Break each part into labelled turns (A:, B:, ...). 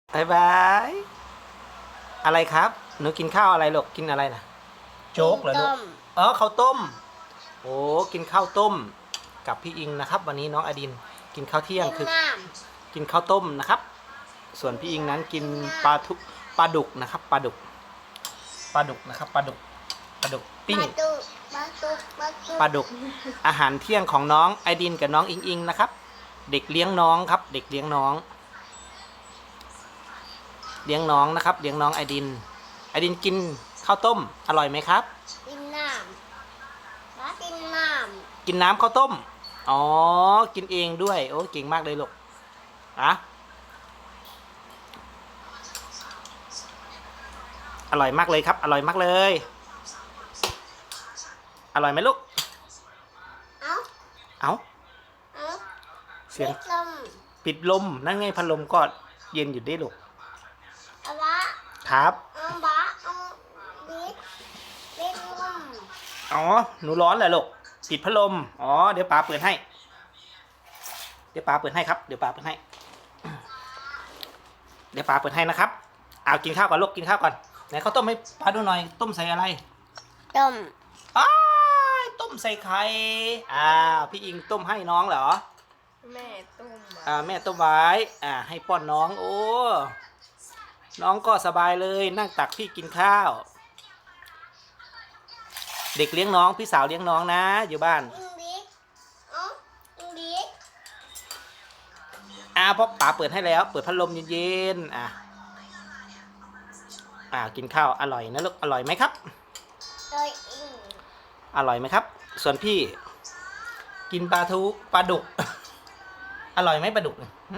A: บายบายอะไรครับหนูกินข้าวอะไรลูกกินอะไรนะโจ๊กเหรอลูกอ๋อข้าวต้มโอ้กินข้าวต้มกับพี่อิงนะครับ วันนี้น้องอดินกินข้าวเที่ยงคือกินข้าวต้มนะครับ ส่วนพี่อิงนั้นกินปลาดุกนะครับปลาดุกนะครับปลาดุกปิ้งปลาดุกอาหารเที่ยงของน้องไอดินกับน้องอิงอิงนะครับ เด็กเลี้ยงน้องครับเด็กเลี้ยงน้องนะครับเลี้ยงน้องไอดินกินข้าวต้มอร่อยไหมครับ
B: กินน้ำ
A: กินน้ำข้าวต้มอ๋อกินเองด้วยโอ้เก่งมากเลยลูกอะอร่อยมากเลยครับอร่อยมากเลยอร่อยไหมลูกเอาเสียงปิดลมนั่นไงพัดลมก็เย็นอยู่ได้ลูกครับอ๋อหนูร้อนเหรอลูกปิดพัดลมอ๋อเดี๋ยวป๋าเปิดให้ครับเดี๋ยวป๋าเปิดให้นะครับเอากินข้าวก่อนลูกกินข้าวก่อนไหนข้าวต้มให้ป๋าดูหน่อยต้มใส่อะไรอ้ายต้มใส่ไข่พี่อิงต้มให้น้องเหรอ
B: แม่ต้ม
A: แม่ต้มไว้ให้ป้อนน้องโอ้น้องก็สบายเลยนั่งตักพี่กินข้าวเด็กเลี้ยงน้องพี่สาวเลี้ยงน้องนะอยู่บ้านเพราะป๋าเปิดให้แล้วเปิดพัดลมเย็นๆกินข้าวอร่อยนะลูกอร่อยไหมครับอร่อยไหมครับส่วนพี่กินปลาดุกอร่อยไหมปลาดุก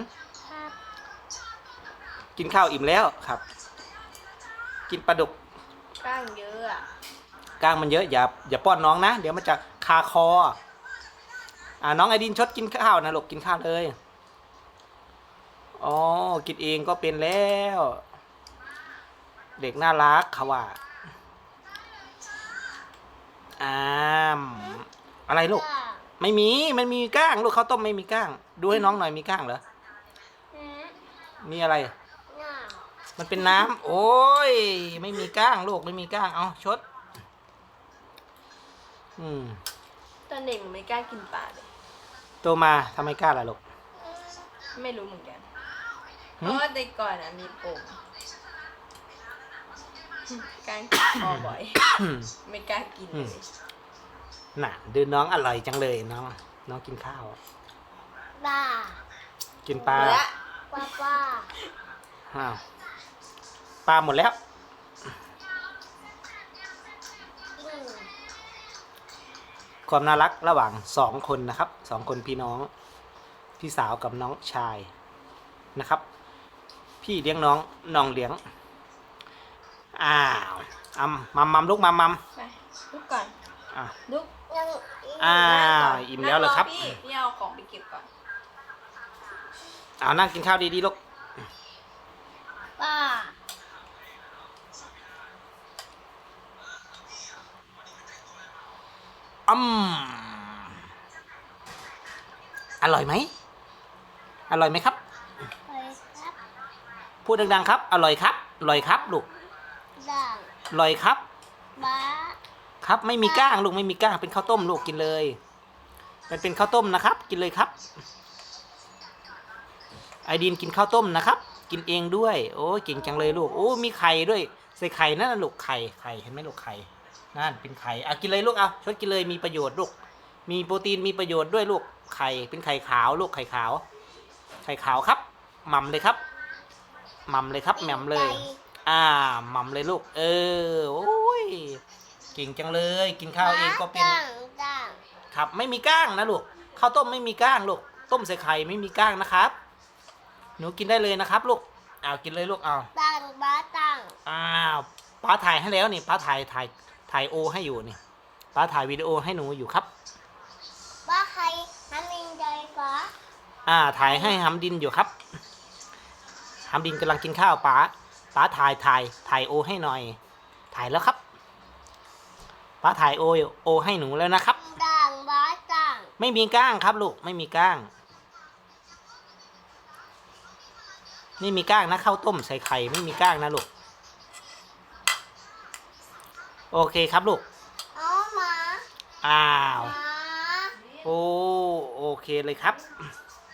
A: กินข้าวอิ่มแล้วครับกินปลาดุก
B: กล้างเยอะ
A: กล้างมันเยอะอย่าป้อนน้องนะเดี๋ยวมันจะคาคอน้องไอดินชดกินข้าวนะลูกกินข้าวเลยอ๋อกินเองก็เป็นแล้วเด็กน่ารักเขาว่าอะไรลูกไม่มีมันมีก้างลูกข้าวต้มไม่มีก้างดูให้น้องหน่อยมีก้างเหรอมีอะไรมันเป็นน้ำโอ้ยไม่มีก้างลูกไม่มีก้างเอาชด
B: ตอนเด็กหนูไม่กล้ากินปลาเลย
A: โตมาทำไมกล้าล่ะลูก
B: ไม่รู้เหมือนกันเพราะว่าแต่ก่อนมีปุ่มการกินคอบ่อยไม่กล้ากินเลย
A: น่ะดูน้องอร่อยจังเลยน้องกินข้าวกินปลาปลาหมดแล้วความน่ารักระหว่าง2 คนนะครับ2 คนพี่น้องพี่สาวกับน้องชายนะครับพี่เลี้ยงน้องเลี้ยงมัมลูกมัม
B: ไปลุกก่อนลุก
A: อิ่มแล้วเหรอครับ
B: พี่เอาของไปเก็บก่อน
A: นั่งกินข้าวดีๆลูก
B: ป้า
A: อร่อยไหมครับพูดดังๆครับอร่อยครับลูกอร่อยครับครับไม่มีก้างลูกไม่มีก้างเป็นข้าวต้มลูกกินเลยมันเป็นข้าวต้มนะครับกินเลยครับไอดินกินข้าวต้มนะครับกินเองด้วยโอ้เก่งจังเลยลูกโอ้มีไข่ด้วยใส่ไข่นั่นลูกไข่เห็นไหมลูกไข่นั่นเป็นไข่กินเลยลูกชดกินเลยมีประโยชน์ลูกมีโปรตีนมีประโยชน์ด้วยลูกไข่เป็นไข่ขาวลูกไข่ขาวครับหม่ำเลยครับแหม่มเลยหม่ำเลยลูกโอ้ยเก่งจังเลยกินข้าวเองก็เป็นครับไม่มีก้างนะลูกข้าวต้มไม่มีก้างลูกต้มใส่ไข่ไม่มีก้างนะครับหนูกินได้เลยนะครับลูกกินเลยลูกป้าถ่ายให้แล้วนี่ป้าถ่ายโอให้อยู่นี่ป้าถ่ายวิดีโอให้หนูอยู่ครับ
B: ป้าใครทำดินใจป้
A: าถ่ายให้หำดินอยู่ครับหำดินกำลังกินข้าวป้าถ่ายโอให้หน่อยถ่ายแล้วครับป้าถ่ายโอให้หนูแล้วนะครับไม่มีก้างครับลูกไม่มีก้างนี่มีก้างนะข้าวต้มใส่ไข่ไม่มีก้างนะลูกโอเคครับลูก
C: เอาหมา
A: อ้าว
C: หมา
A: โอ้โอเคเลยครับ